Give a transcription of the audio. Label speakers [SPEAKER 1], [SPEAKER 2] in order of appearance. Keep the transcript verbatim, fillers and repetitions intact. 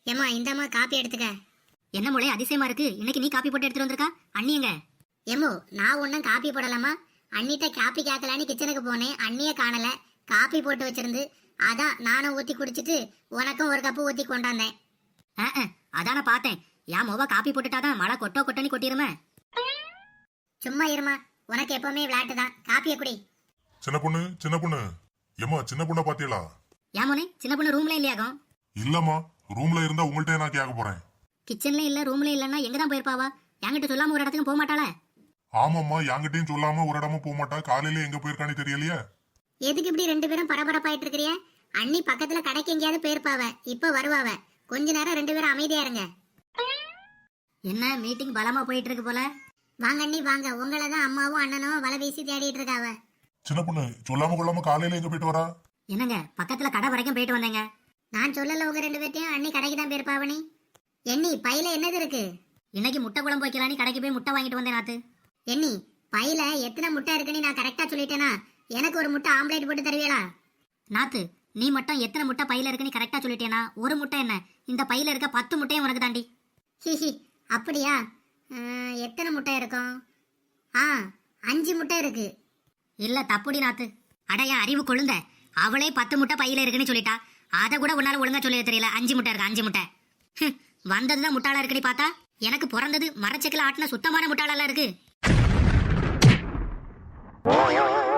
[SPEAKER 1] ஏமா இந்தம்மா காப்பி எடுத்துக்க.
[SPEAKER 2] என்ன மொழி அதிசயமா இருக்கு, இன்னைக்கு நீ காப்பி போட்டு எடுத்துட்டு வந்திருக்கா? அண்ணியங்க?
[SPEAKER 1] ஏமோ நான் ஒன்னும் காப்பி போடலாமா, அண்ணிட்ட காப்பி கேட்கலான்னு கிச்சனுக்கு போனேன், அண்ணிய காணல, காப்பி போட்டு வச்சிருந்து அதான் நானும் ஊத்தி குடிச்சிட்டு உனக்கும் ஒரு கப்பு ஊத்தி கொண்டாந்தேன்.
[SPEAKER 2] அதான பார்த்தேன், என் மொவ காப்பி போட்டுட்டாதான் மழை கொட்டோ கொட்டோன்னு கொட்டிருமே.
[SPEAKER 1] சும்மா இருமா, உனக்கு எப்பவுமே விளையாட்டு தான். காப்பிய குடி.
[SPEAKER 3] சின்ன பொண்ணு சின்ன பொண்ணு ஏமா சின்ன பொண்ண பாத்தீங்களா?
[SPEAKER 2] ஏன் மோனே, சின்ன பொண்ணு ரூம்ல இல்லையாகும்?
[SPEAKER 3] இல்லம்மா, ரூம்ல இருந்தா உங்கள்ட்ட நான் கேட்க போறேன்.
[SPEAKER 2] கிச்சன்ல இல்ல ரூம்ல இல்லன்னா எங்க தான் போயிருப்பாவா? என்கிட்ட சொல்லாம ஒரு இடத்துக்கு போக மாட்டாளா?
[SPEAKER 3] ஆமாம்மா, என்கிட்டயும் சொல்லாம ஒரு இடமும் போக மாட்டா. காலையில எங்க போயிருக்கானே தெரியலையே.
[SPEAKER 1] எதுக்கு இப்படி ரெண்டு பேரும் பரபரப்பாயிட்டு இருக்கிறிய? அண்ணி பக்கத்துல கடைக்கு எங்கேயாவது போயிருப்பாவ, இப்ப வருவாவ. கொஞ்ச நேரம் ரெண்டு பேரும் அமைதியா இருங்க.
[SPEAKER 2] என்ன மீட்டிங் பலமா போயிட்டு இருக்கு போல.
[SPEAKER 1] வாங்க அண்ணி வாங்க, உங்களை தான் அம்மாவும் அண்ணனும் வலை வீசி தேடிட்டு இருக்காவ.
[SPEAKER 3] சின்ன பொண்ணு சொல்லாம கொள்ளாம காலையில எங்க போயிட்டு வரா?
[SPEAKER 2] என்னங்க பக்கத்துல கடை வரைக்கும் போயிட்டு வந்தேங்க.
[SPEAKER 1] நான் சொல்லல உங்க ரெண்டு பேர்த்தையும், அண்ணி கடைக்கு தான் போயிருப்பாவனி. எண்ணி பையில என்னது இருக்கு?
[SPEAKER 2] இன்னைக்கு முட்டை குழம்பு வைக்கலான்னு கடைக்கு போய் முட்டை வாங்கிட்டு வந்தேன் நாத்து.
[SPEAKER 1] எண்ணி பையில எத்தனை முட்டை இருக்குன்னு நான் கரெக்டா சொல்லிட்டேனா? எனக்கு ஒரு முட்டை ஆம்லேட் போட்டு தருவீங்களா?
[SPEAKER 2] நாத்து, நீ மட்டும் எத்தனை முட்டை பையில இருக்குன்னு கரெக்டா சொல்லிட்டேனா? ஒரு முட்டை என்ன, இந்த பையில இருக்க பத்து முட்டையும் உனக்கு தாண்டி.
[SPEAKER 1] ஹிஹி, அப்படியா? எத்தனை முட்டை இருக்கும்? ஆ, அஞ்சு முட்டை இருக்கு.
[SPEAKER 2] இல்ல தப்புடி நாத்து. அடையா அறிவு கொழுந்த, அவளே பத்து முட்டை பையில இருக்குன்னு சொல்லிட்டா. அதை கூட உன்னால ஒழுங்கா சொல்ல தெரியல. அஞ்சு முட்டை இருக்கு, அஞ்சு முட்டை. வந்ததுதான் முட்டாளா இருக்குன்னு பார்த்தா எனக்கு பிறந்தது மரச்செக்கில ஆட்டின சுத்தமான முட்டாளெல்லாம் இருக்கு.